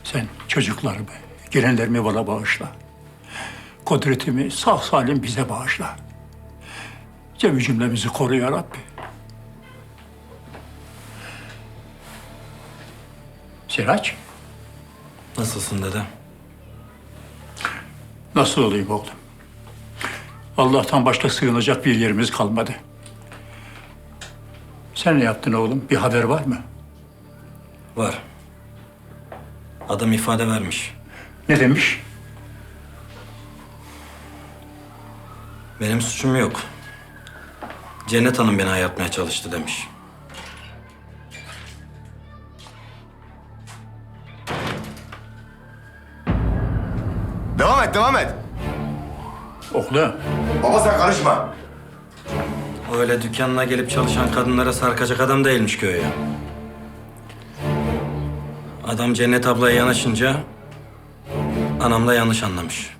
Sen çocuklarımı, gelenlerimi bana bağışla. Kudretimi sağ salim bize bağışla. Cemi cümlemizi koru ya Rabbi. Siraç, Nasılsın dede? nasıl olayım oğlum? Allah'tan başka sığınacak bir yerimiz kalmadı. Sen ne yaptın oğlum? Bir haber var mı? Var. Adam ifade vermiş. Ne demiş? Benim suçum yok. Cennet Hanım beni ayartmaya çalıştı demiş. Devam et, devam et. Oğlum, Baba sen karışma. Öyle dükkanına gelip çalışan kadınlara sarkacak adam değilmiş köye. Adam Cennet ablaya yanaşınca anam da yanlış anlamış.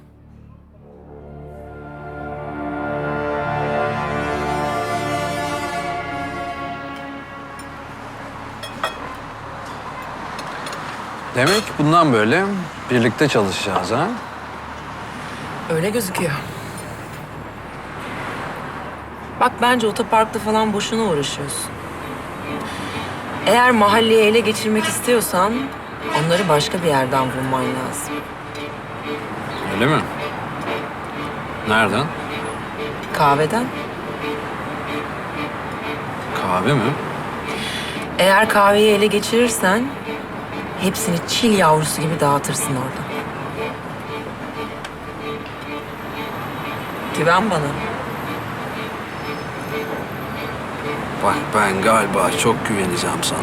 Demek bundan böyle birlikte çalışacağız ha? Öyle gözüküyor. Bak bence otoparkta falan boşuna uğraşıyorsun. Eğer mahalleyi ele geçirmek istiyorsan onları başka bir yerden vurman lazım. Öyle mi? Nereden? Kahveden. Kahve mi? Eğer kahveyi ele geçirirsen hepsini çil yavrusu gibi dağıtırsın orada. Güven bana. Bak ben galiba çok güveneceğim sana.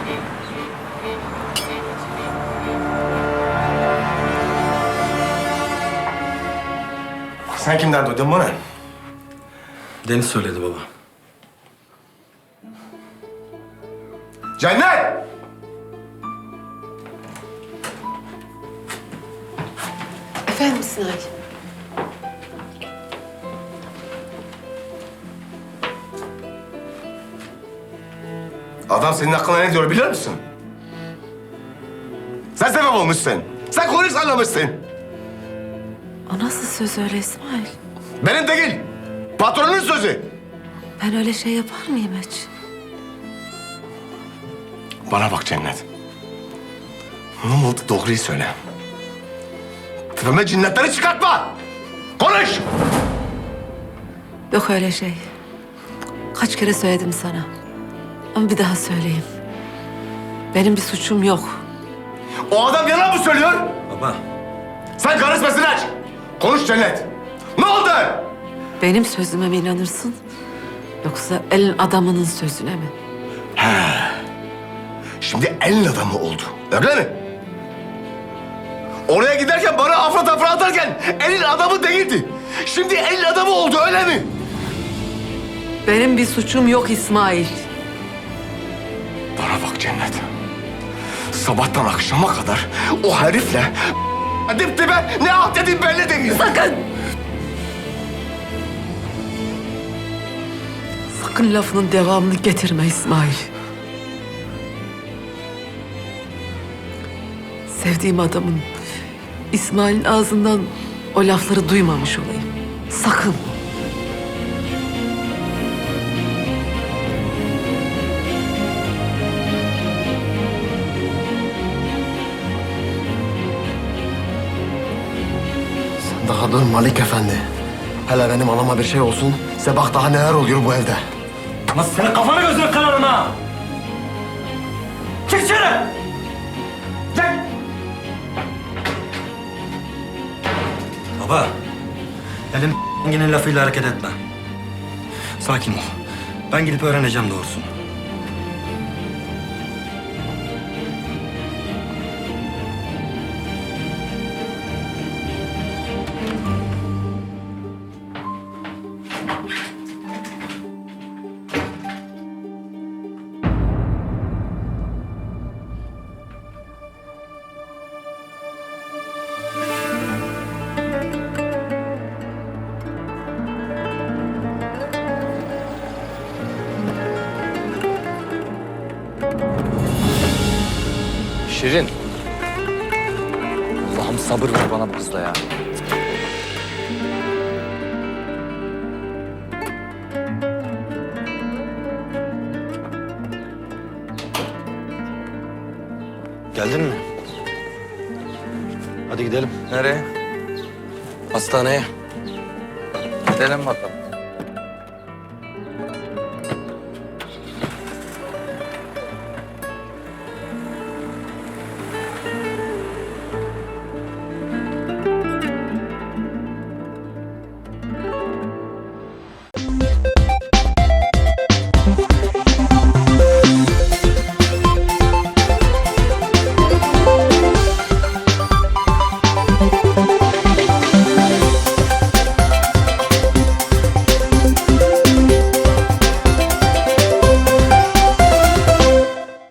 Sen kimden duydun bunu? Deniz söyledi baba. Cennet! Efendim İsmail. Adam senin hakkında ne diyor biliyor musun? Sen sebep olmuşsun. Sen konuyu sallamışsın. O nasıl söz öyle İsmail? Benim değil. Patronun sözü. Ben öyle şey yapar mıyım hiç? Bana bak Cennet. Ne oldu doğruyu söyle. Tepeme cinnetleri çıkartma. Konuş. Yok öyle şey. Kaç kere söyledim sana. Ama bir daha söyleyeyim. Benim bir suçum yok. O adam yalan mı söylüyor? Baba, Sen karışmasın aç. Konuş Cennet. Ne oldu? Benim sözüme mi inanırsın? Yoksa elin adamının sözüne mi? Şimdi elin adamı oldu. Öyle mi? Oraya giderken bana afra tafra atarken elin adamı değildi. Şimdi elin adamı oldu öyle mi? Benim bir suçum yok İsmail. Bana bak Cennet. Sabahtan akşama kadar o herifle dip dibe ne halt dediğim belli değil. Sakın! Sakın lafının devamını getirme İsmail. Sevdiğim adamın İsmail'in ağzından o lafları duymamış olayım. Sakın. Daha dur Malik Efendi. Hele benim anama bir şey olsun. Size bak daha neler oluyor bu evde. nasıl senin kafanı gözünü kırarım ha? Çık dışarı! Gel! Baba, elin yine lafıyla hareket etme. Sakin ol. Ben gidip öğreneceğim doğrusunu. Şirin. Allah'ım sabır ver bana bu kızla ya. Geldin mi? Hadi gidelim. Nereye? Hastaneye. Gidelim bakalım.